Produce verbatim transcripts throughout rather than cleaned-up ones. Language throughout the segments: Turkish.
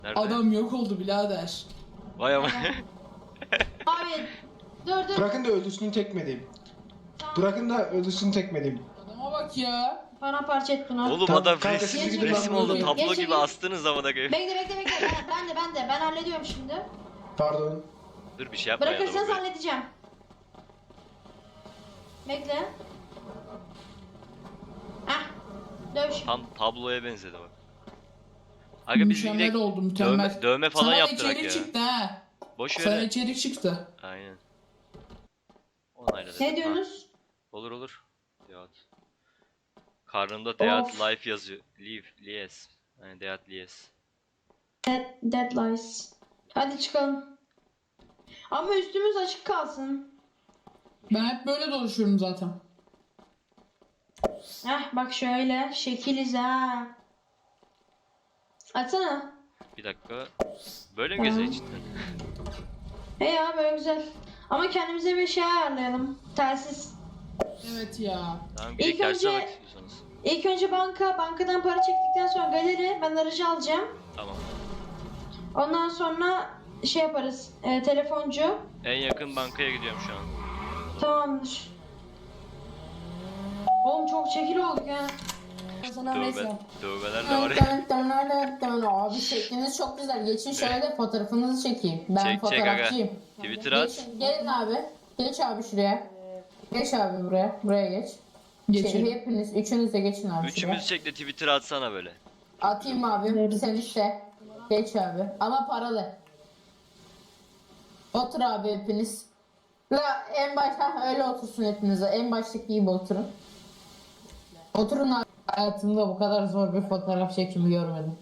Nerede? Adam yok oldu birader. Vay ama. Abi dur dur. Bırakın da ölüsünü tekmeleyeyim. Tamam. Bırakın da ölüsünü tekmeleyim. Adama bak ya. Bana parça et bunu. Oğlum Tamam, adam kanka, resim, siz gidin, resim ben oldu. buradayım. Tablo Geç, gibi geç. astınız zamana koyayım. Bekle bekle bekle. Ben, ben de ben de. Ben hallediyorum şimdi. Pardon. Dur bir şey yapma ya. Bırakırsanız adamı. halledeceğim. Bekle. Heh. Dövüş. Tam tabloya benzedi bak. Aga biz Mükemmel direkt oldu mükemmel. dövme, dövme falan Sana yaptırak içerik ya. çıktı ha. Boş Sana ver. içerik çıktı. Aynen. Onayla Ne diyorsunuz? Olur olur. Deat. Karnımda Deat Of. Life yazıyor. Live, Lies. Yani Deat Lies. Dead, dead lies. Hadi çıkalım. Ama üstümüz açık kalsın. Ben hep böyle dolaşıyorum zaten. Heh bak şöyle. Şekiliz ha. Açsana. Bir dakika. Böyle mi geziyor içinden? He ya böyle güzel. Ama kendimize bir şey ayarlayalım. Telsiz. Evet ya. Tamam İlk gidelim derse önce- bak istiyorsanız. İlk önce banka. Bankadan para çektikten sonra galeri. Ben aracı alacağım. Tamam. Ondan sonra şey yaparız. E, telefoncu. En yakın bankaya gidiyorum şu an. Tamamdır. Oğlum çok çekil olduk ha. Dövme, dövmeler de var ya. Abi şekliniz çok güzel. Geçin şöyle de fotoğrafınızı çekeyim. Ben Çek, çek aga. fotoğrafçıyım. Twitter at. Geçin, gelin abi. Geç abi şuraya. Geç abi buraya. Buraya geç. Geçin. Şey, hepiniz, üçünüz de geçin abi Üçümüz çek de Twitter'a atsana böyle. şuraya. Atayım abi. Sen işte. Geç abi. Ama paralı. Otur abi hepiniz. La en başta öyle otursun hepiniz. En baştaki gibi oturun. Oturun abi. Hayatımda bu kadar zor bir fotoğraf çekimi görmedim.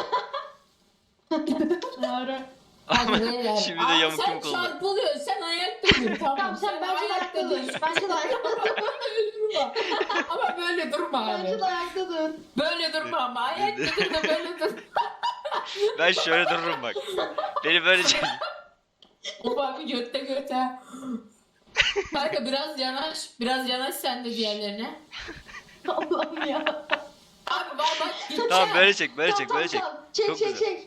Doğru. Hadi beyler. Şimdi de Abi yamuk sen yumuk oldu. çarpılıyorsun. Sen ayakta dur. Tamam, Tamam sen bence de ayakta dur. Bence de ayakta dur. Böyle durma. Ama böyle durma Bence abi. de ayakta dur. Böyle durma ama ayakta dur da böyle dur. Ben şöyle dururum bak. Beni böyle çek. Of abi götte göte. Kanka biraz yanaş. Biraz yanaş sen de diğerlerine. Allah'ım ya. Abi bak bak gideceğim. Tamam böyle çek, böyle Tamam, çek, tamam, böyle çek. tamam. Çek Çok çek güzel. çek.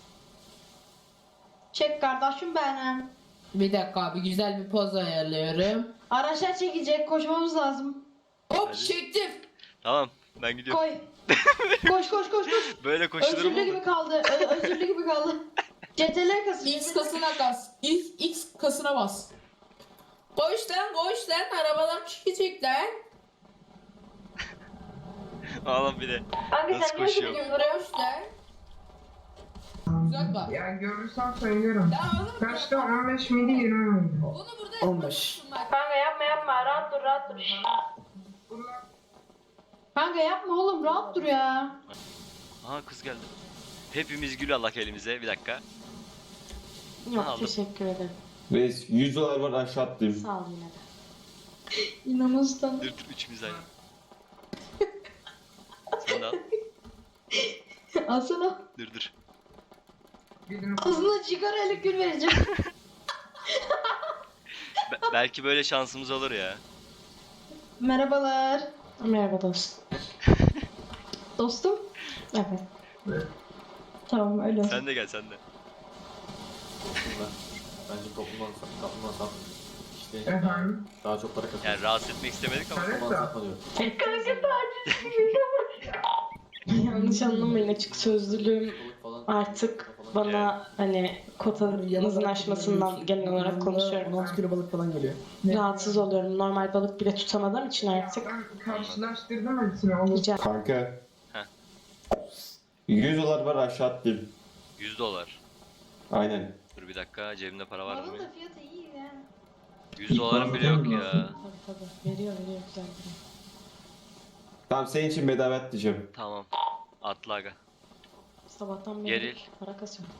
Çek kardeşim benim. Bir dakika abi güzel bir poz ayarlıyorum. Araçlar çekecek. Koşmamız lazım. Hop Hadi. çektim. Tamam, ben gidiyorum. Koy. Koş koş koş koş. Böyle koşulur mu? Özürlü gibi kaldı. Ö- özürlü gibi kaldı. C T L kasıyor. X kasına bas. X, X kasına bas. Koş lan koş lan arabalar çıkacak lan. Oğlum bir de. Kanka Nasıl sen niye koşuyor? gidiyorsun buraya? Koş lan. Güzel bak. Ya görürsem söylerim. Ya oğlum Kaçta on beş miydi yirmi miydi? bunu burada on beş. yapmasın bak. Kanka yapma yapma. Rahat dur rahat dur. Kanka yapma oğlum rahat dur ya. Aha kız geldi. Hepimiz gül Allah elimize. Bir dakika. Yok Aldım. teşekkür ederim. Reis yüz dolar var aşağı attım. Sağ ol yine de. İnanılmaz. Dur dur üçümüz aynı. Sen de al. Alsana. Dur dur. Birini Ağzına cigarayla gül vereceğim. Be- belki böyle şansımız olur ya. Merhabalar. Merhaba dostum. Dostum. Evet. Tamam öyle olsun. Sen de gel sen de. Bence toplumdan toplumdan sat. İşte efendim. daha çok para kazanıyor. Yani rahatsız etmek istemedik ama. Toplumdan satma diyor. Yanlış anlamayın açık sözlülüğüm Falan. artık bana hani kotanızın aşmasından genel olarak konuşuyorum. on altı kilo balık falan geliyor. Rahatsız oluyorum. Normal balık bile tutamadığım için artık. Ben karşılaştırdım hepsini. Olur. Rica Kanka. Heh. yüz dolar var aşağı attım. yüz dolar. Aynen. Dur bir dakika cebimde para var mı? Balın da fiyatı iyi ya. yüz dolarım bile yok ya. Tabii tabii. Veriyor veriyor güzel veriyor. Tamam senin için bedava at diyeceğim. Tamam. Atla aga. Sabahtan beri Geril. para kasıyorum.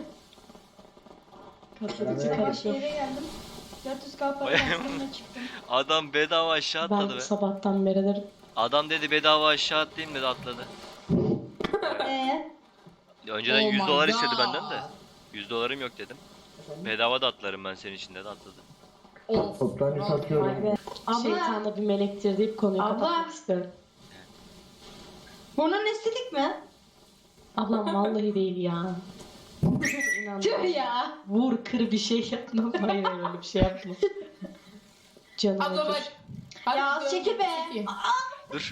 Ben Katlatıcı de- Yavaş karışıyor. yere geldim. dört yüz K para Bayağı- bastım çıktım. Adam bedava aşağı atladı Ben be. sabahtan beridir Adam dedi bedava aşağı atlayayım dedi atladı. Eee? Önceden Oh yüz my dolar istedi God. benden de. yüz dolarım yok dedim. Bedava da atlarım ben senin için dedi atladı. Of. Toptancı satıyorum. Vay be. Abla. Şeytan da bir melektir deyip konuyu Abla. kapatmak istiyorum. Bunun estetik mi? Ablam vallahi değil ya. İnan. Tüh ya. Vur kır bir şey yapma. Hayır hayır öyle bir şey yapma. Canım Abla acır. bak. Hadi Ya dön, çeki be. çeki. Dur.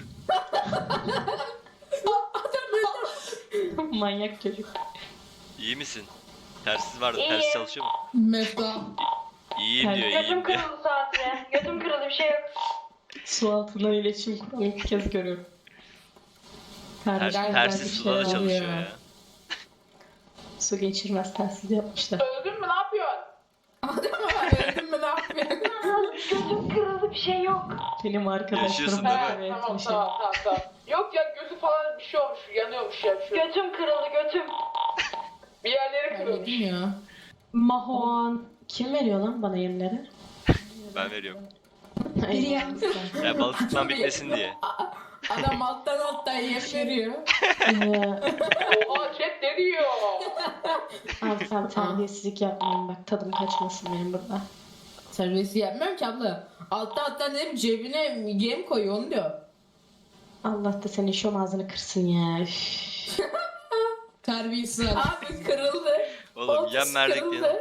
Manyak çocuk. İyi misin? Tersiz vardı. İyiyim. Ters çalışıyor mu? Mefta. İyiyim diyor, iyiyim Götüm diyor. kırıldı sadece. Götüm kırıldı bir şey yok. Su altından iletişim kuran ilk kez görüyorum. Ter, Kardeşim, tersiz bir suda da şey çalışıyor oluyor. ya. Su geçirmez telsiz yapmışlar. Öldün mü ne yapıyorsun? Öldün mü ne yapıyorsun? Götüm kırıldı bir şey yok. Benim Yaşıyorsun arkadaşlarım değil mi? da Evet, evet, tamam bir şey. tamam tamam tamam. Yok ya gözü falan bir şey olmuş, yanıyormuş ya bir şey. Götüm kırıldı götüm. Bir yerleri kırılmış. ya. Mahon. Kim veriyor lan bana yemleri? Ben veriyorum. Biri ya. Ya balık tutmam bitmesin diye. Adam alttan alttan yem veriyor. Ee, Oha chat ne diyor? abi sen terbiyesizlik yapmayın bak tadım kaçmasın benim burada. Terbiyesi yapmıyorum ki abla. Alttan alttan dedim cebine yem koyuyor onu diyor. Allah da senin şom ağzını kırsın ya. Üf. Terbiyesiz. Abi kırıldı. Oğlum Oltası yem verdik kırıldı. ya.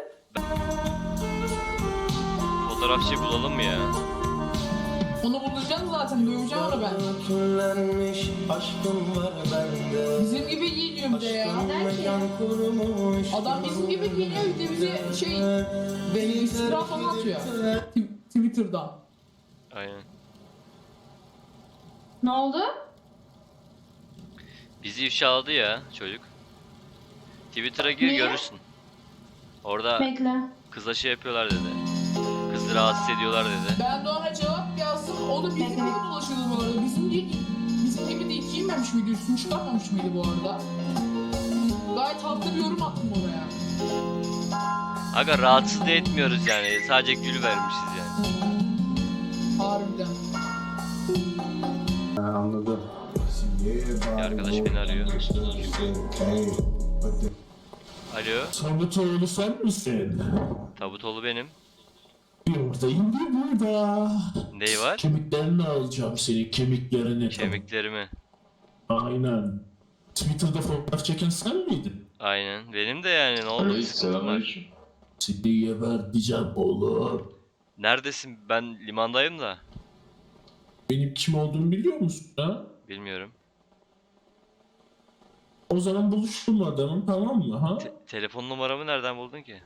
Fotoğrafçı bulalım mı ya? Onu bulacağım zaten döveceğim onu ben. Küllenmiş aşkım var bende. Bizim gibi giyiniyor bir de ya. Kurumuş. Adam bizim gibi giyiniyor bir de bize şey iftira falan atıyor. Tw- Twitter'dan. Aynen. Ne oldu? Bizi ifşaladı ya çocuk. Twitter'a gir Niye? görürsün. Orada Bekle. kızla şey yapıyorlar dedi. Kızı rahatsız ediyorlar dedi. Ben de ona cevap yazdım. O da bizim gibi dolaşıyordu bu arada. Bizim gibi, bizim gibi de giyinmemiş miydi? Üstünü çıkarmamış mıydı bu arada? Gayet haklı bir yorum attım oraya. Aga rahatsız da etmiyoruz yani. Sadece gül vermişiz yani. Harbiden. Ha, anladım. Bir arkadaş beni arıyor. Alo. Tabutoğlu sen misin? Tabutoğlu benim. Buradayım bir burada. Ney var? Kemiklerini alacağım senin kemiklerini. Kemiklerimi. Aynen. Twitter'da fotoğraf çeken sen miydin? Aynen. Benim de yani ne oldu? Sıkıntım var. Seni geberteceğim oğlum. Neredesin? Ben limandayım da. Benim kim olduğumu biliyor musun ha? Bilmiyorum. O zaman buluştum adamım tamam mı ha? Te- telefon numaramı nereden buldun ki?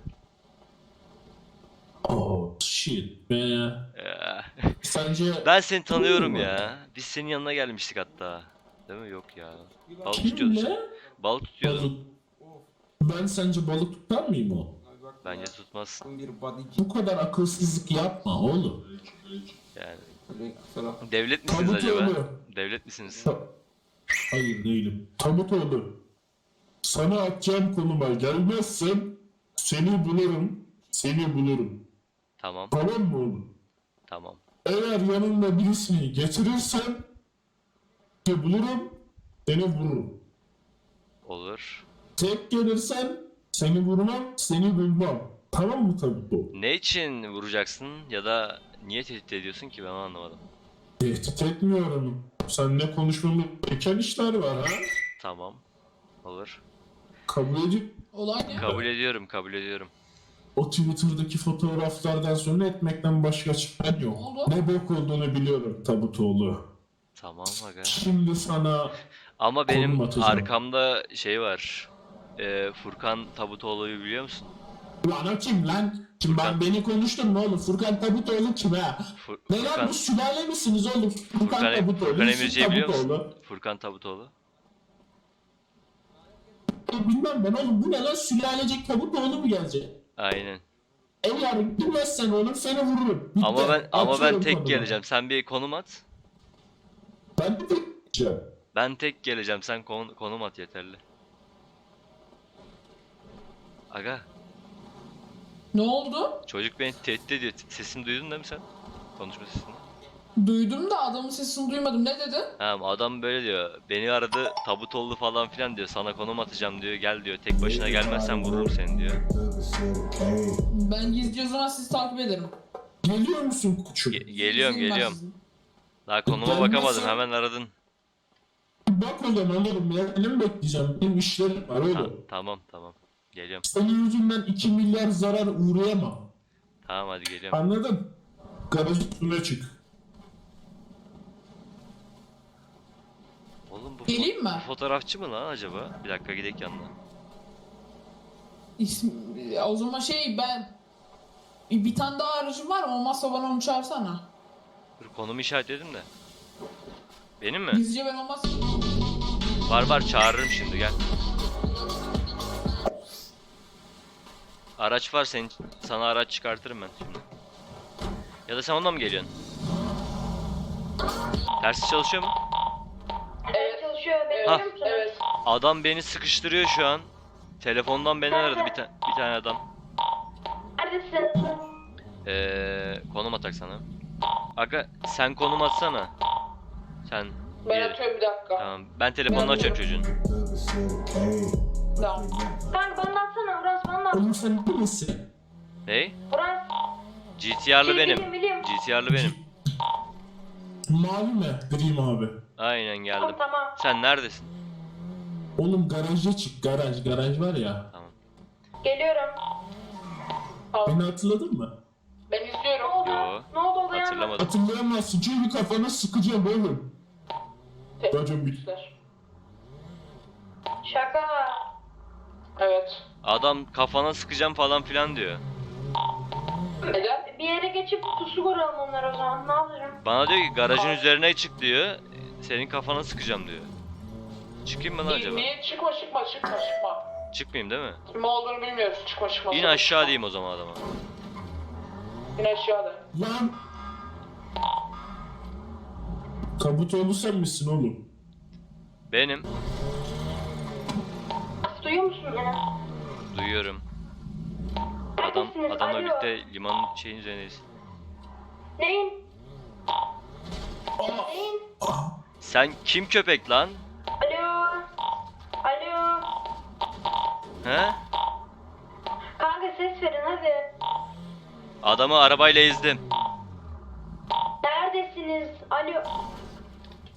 Oh shit be. Ya. Sence Ben seni tanıyorum Kim ya. Biz senin yanına gelmiştik hatta. Değil mi? Yok ya. Balık tutuyordun sen. kimle? Balık tutuyordun. Balık. Ben sence balık tutar mıyım o? Bence tutmazsın. Bir body Bu kadar akılsızlık yapma oğlum. Yani. falan. Devlet misiniz acaba? Tabutoğlu. Devlet misiniz? Ta- Hayır değilim. Tabutoğlu. Sana atacağım konuma gelmezsen seni bulurum. Seni bulurum. Tamam. Tamam mı oğlum? Tamam. Eğer yanında birisini getirirsen seni bulurum. Seni vururum. Olur. Tek gelirsen seni vurmam, seni bulmam. Tamam mı Tabutoğlu? Ne için vuracaksın ya da niye tehdit ediyorsun ki ben onu anlamadım. Tehdit etmiyorum. Seninle konuşmamız gereken işler var ha. Tamam. Olur. Kabul edip Olay ne? Kabul ediyorum, kabul ediyorum. o Twitter'daki fotoğraflardan sonra etmekten başka çaren yok. Oldu. Ne bok olduğunu biliyorum Tabutoğlu. Tamam aga. Şimdi sana Ama Konum benim atacağım. arkamda şey var. Ee, Furkan Tabutoğlu'yu biliyor musun? lan o kim lan? Kim ben beni konuştun mu oğlum? Furkan Tabutoğlu kim ha? Fur- Ne lan Furkan, bu sülale misiniz oğlum? Furkan, Furkan, Tabutoğlu. Furkan Yusuf Emirci'yi biliyor musun? Tabutoğlu. Furkan Tabutoğlu. Bilmem ben oğlum bu ne lan sülalecek Tabutoğlu mu gelecek? Aynen. Eğer bilmezsen oğlum seni vururum. Bitti. Ama ben ama ben Açıyorum tek konumu. geleceğim. Sen bir konum at. Ben de tek geleceğim. Ben tek geleceğim. Sen kon- konum at yeterli. Aga, Ne oldu? çocuk beni tehdit ediyor. Sesimi duydun değil mi sen? Konuşma sesini. Duydum da adamın sesini duymadım. Ne dedi? Ha, adam böyle diyor. Beni aradı, Tabutoğlu falan filan diyor. Sana konum atacağım diyor. Gel diyor. Tek başına gelmezsen vururum seni diyor. Ben gizlice o zaman sizi takip ederim. Geliyor musun koçum? Ge- geliyorum, İzin var geliyorum. sizin. Daha konuma Gelmezsen- bakamadım. Hemen aradın. Bak oğlum alırım ya. Benim bekleyeceğim. Benim işlerim var Ha, oğlum. tamam, tamam. Geliyorum. Senin yüzünden iki milyar zarar uğrayamam. Tamam hadi geliyorum. Anladın? Garajın üstüne çık. Oğlum bu, Geleyim mi? bu fotoğrafçı mı lan acaba? Bir dakika gidelim yanına. İsm, o zaman şey ben bir tane daha aracım var, olmazsa bana onu çağırsana. Dur konumu işaretledim de. Benim mi? Gizlice ben olmaz. Var var çağırırım şimdi gel. Araç var senin, sana araç çıkartırım ben şimdi. Ya da sen onunla mı geliyorsun? Tersi çalışıyor mu? Evet çalışıyor. Ha. Bekliyor musun? Evet. Adam beni sıkıştırıyor şu an. Telefondan beni aradı bir, ta bir tane adam. Neredesin? Ee, konum atak sana. Aga sen konum atsana. Sen Ben diğeri. atıyorum bir dakika. Tamam ben telefonunu açıyorum çocuğun. Tamam. Kanka bana da atsana. Uras bana da at. Oğlum sen neresin? Ney? Uras. G T R'lı Şey, benim. Biliyorum biliyorum. G T R'lı benim. Mavi mi? Gri mavi. Aynen geldim. Tamam tamam. Sen neredesin? Oğlum garaja çık. Garaj. Garaj var ya. Tamam. Geliyorum. Beni hatırladın mı? Ben Ne izliyorum. oldu? Yo. Ne oldu oldu ya? Hatırlamadım. Hatırlayamazsın çünkü kafana sıkacağım oğlum. Racon bir. Şaka. Evet. Adam kafana sıkacağım falan filan diyor. Neden? Bir yere geçip pusu kuralım onları o zaman. Ne yapacağım? Bana diyor ki garajın üzerine çık diyor. Senin kafana sıkacağım diyor. Çıkayım mı lan acaba? Niye? Çıkma çıkma çıkma çıkma. Çıkmayayım değil mi? Kim olduğunu bilmiyoruz. Çıkma çıkma. İn aşağı diyeyim o zaman adama. İn aşağıda. Lan. Kabutoğlu sen misin oğlum? Benim. Duyuyor musun beni? Duyuyorum. Adam Neredesiniz? adamla Alo. birlikte limanın şeyin üzerindeyiz. Neyin? Neyin? Sen kim köpek lan? Alo. Alo. He? Kanka ses verin hadi. Adamı arabayla ezdim. Neredesiniz? Alo.